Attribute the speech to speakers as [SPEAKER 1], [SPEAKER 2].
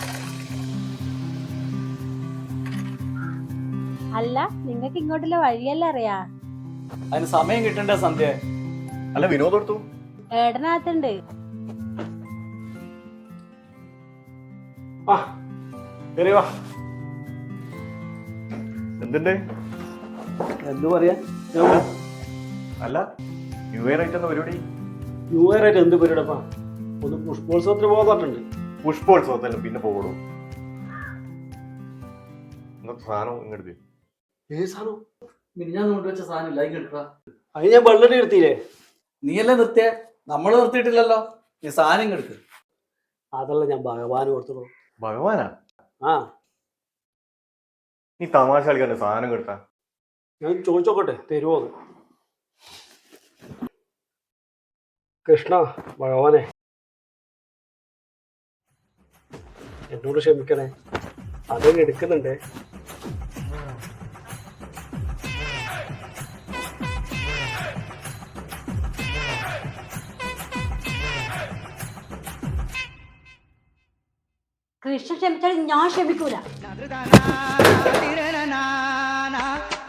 [SPEAKER 1] അല്ല, നിങ്ങക്ക് ഇങ്ങോട്ടുള്ള വഴിയല്ല അറിയാ?
[SPEAKER 2] അതിന് സമയം കിട്ടണ്ടേ സന്ധ്യ?
[SPEAKER 3] അല്ല വിനോദ് എടുത്തു
[SPEAKER 1] ഏടനകത്തുണ്ട്.
[SPEAKER 3] എന്തിന്റെ
[SPEAKER 2] എന്ത് പറയാ?
[SPEAKER 3] അല്ല ന്യൂ ഇയർ ആയിട്ട് പരിപാടി?
[SPEAKER 4] ന്യൂ ഇയർ ആയിട്ട് എന്ത് പരിപാടിപ്പാ? ഒന്ന് പുഷ്പോത്സവത്തിന് പോകാൻ പറഞ്ഞിട്ടുണ്ട്.
[SPEAKER 3] പുഷ്പോത്സവത്തിന് പിന്നെ പോകണു. ഇന്നത്തെ സാധനം ഇങ്ങോട്ട്
[SPEAKER 4] ഏത് സാധനം?
[SPEAKER 2] ഞാൻ കൊണ്ടുവച്ച സാധനം ഇല്ല, കിട്ടാ.
[SPEAKER 4] അത് ഞാൻ വെള്ളടി എടുത്തില്ലേ?
[SPEAKER 2] നീയല്ലേ നിർത്തിയ? നമ്മള് നിർത്തിയിട്ടില്ലല്ലോ. നീ സാധനം കെടുക്ക്.
[SPEAKER 4] അതല്ല ഞാൻ ഭഗവാന് കൊടുത്തുള്ളൂ.
[SPEAKER 3] ഭഗവാനാ?
[SPEAKER 4] ആ,
[SPEAKER 3] നീ തമാശ കളിക്കണ്ട, സാധനം കിട്ടാ.
[SPEAKER 4] ഞാൻ ചോദിച്ചോക്കട്ടെ തരുമോ? കൃഷ്ണ ഭഗവാനെ, എന്നോട് ക്ഷമിക്കണേ, അതെന്നെ എടുക്കുന്നുണ്ടേ.
[SPEAKER 1] കൃഷ്ണ ക്ഷമിച്ചാൽ ഞാൻ ക്ഷമിക്കൂല.